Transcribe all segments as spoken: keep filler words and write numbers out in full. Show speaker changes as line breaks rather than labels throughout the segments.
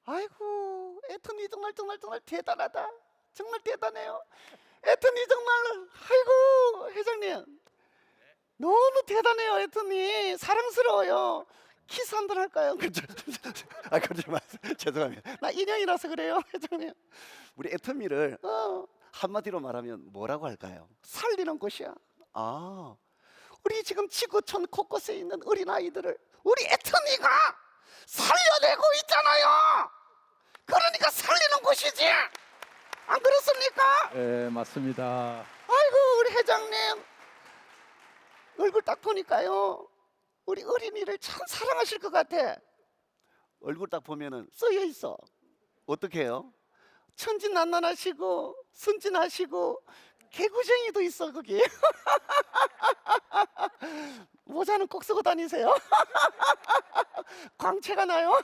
아이고, 애터미 정말 정말 정말 대단하다. 정말 대단해요. 애터미 정말, 아이고 회장님 너무 대단해요. 애터미 사랑스러워요. 키스 한 번 할까요? 그죠? 아 그러지 마세요. 죄송합니다. 나 인형이라서 그래요, 회장님. 우리 애터미를 어, 한마디로 말하면 뭐라고 할까요? 살리는 곳이야. 아, 우리 지금 지구촌 곳곳에 있는 어린 아이들을 우리 애터미가 살려내고 있잖아요. 그러니까 살리는 곳이지. 안 그렇습니까?
네, 맞습니다.
아이고 우리 회장님 얼굴 딱 보니까요 우리 어린이를 참 사랑하실 것 같아. 얼굴 딱 보면은 써여 있어. 어떻게 해요? 천진난만하시고 순진하시고 개구쟁이도 있어 거기. 모자는 꼭 쓰고 다니세요. 광채가 나요.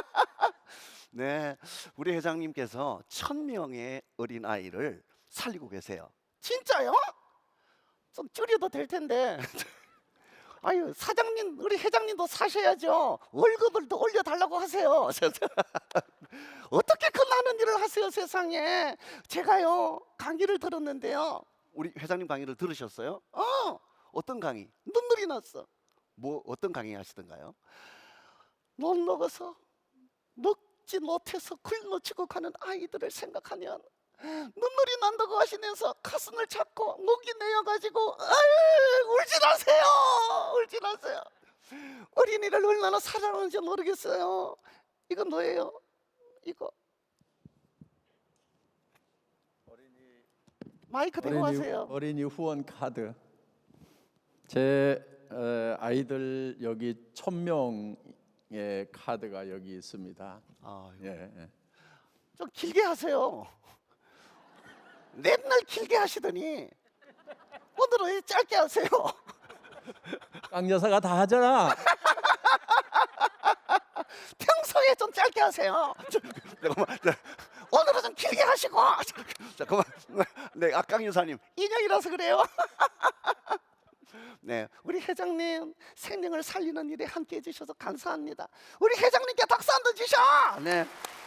네, 우리 회장님께서 천 명의 어린 아이를 살리고 계세요. 진짜요? 좀 줄여도 될 텐데. 아유 사장님, 우리 회장님도 사셔야죠. 월급을 더 올려달라고 하세요. 어떻게 그 많은 일을 하세요 세상에. 제가요 강의를 들었는데요. 우리 회장님 강의를 들으셨어요? 어, 어떤 강의? 눈물이 났어. 뭐 어떤 강의 하시던가요? 못 먹어서 먹지 못해서 굶어지고 가는 아이들을 생각하면 눈물이 난다고 하시면서 가슴을 잡고 목이 내어가지고 아유 울지 마세요. 울지 마세요. 어린이를 얼마나 사랑하는지 모르겠어요. 이건 뭐예요? 이거 마이크 대고
어린이,
하세요.
어린이 후원 카드. 제 어, 아이들 여기 천 명의 카드가 여기 있습니다.
아,
예, 예.
좀 길게 하세요. 맨날 길게 하시더니 오늘은 왜 짧게 하세요?
강 여사가 다 하잖아.
평소에 좀 짧게 하세요. 저, 잠깐만, 저, 오늘은 좀 길게 하시고. 잠깐만, 네, 악강 여사님 인형이라서 그래요. 네, 우리 회장님 생명을 살리는 일에 함께 해주셔서 감사합니다. 우리 회장님께 박수 한번 주셔. 네.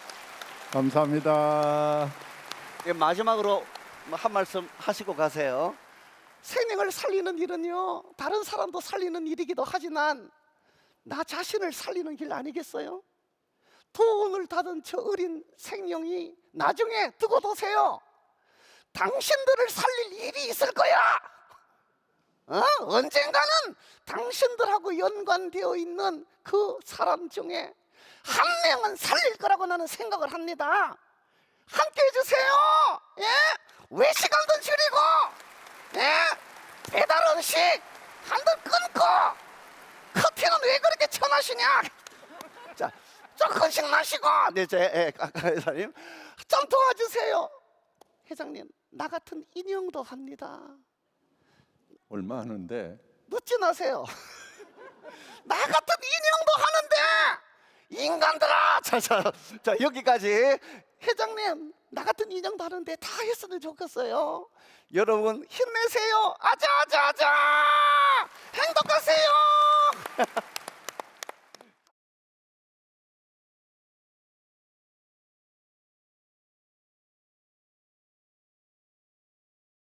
감사합니다.
네, 마지막으로 한 말씀 하시고 가세요. 생명을 살리는 일은요 다른 사람도 살리는 일이기도 하지만 나 자신을 살리는 길 아니겠어요? 도움을 받은 저 어린 생명이 나중에 두고 보세요. 당신들을 살릴 일이 있을 거야. 어? 언젠가는 당신들하고 연관되어 있는 그 사람 중에 한 명은 살릴 거라고 나는 생각을 합니다. 함께 해주세요. 예? 외식한번 줄이고, 예? 배달 음식 한 번 끊고, 커피는 왜 그렇게 처마시냐? 자, 조금씩 마시고. 네, 제 예, 아까 회장님 좀 도와주세요. 회장님, 나 같은 인형도 합니다.
얼마 하는데?
묻지 마세요. 나 같은 인형도 하는데 인간들아. 자, 자, 자 여기까지. 회장님, 나 같은 인형도 하는데 다 했으면 좋겠어요. 여러분 힘내세요. 아자아자아자. 행복하세요.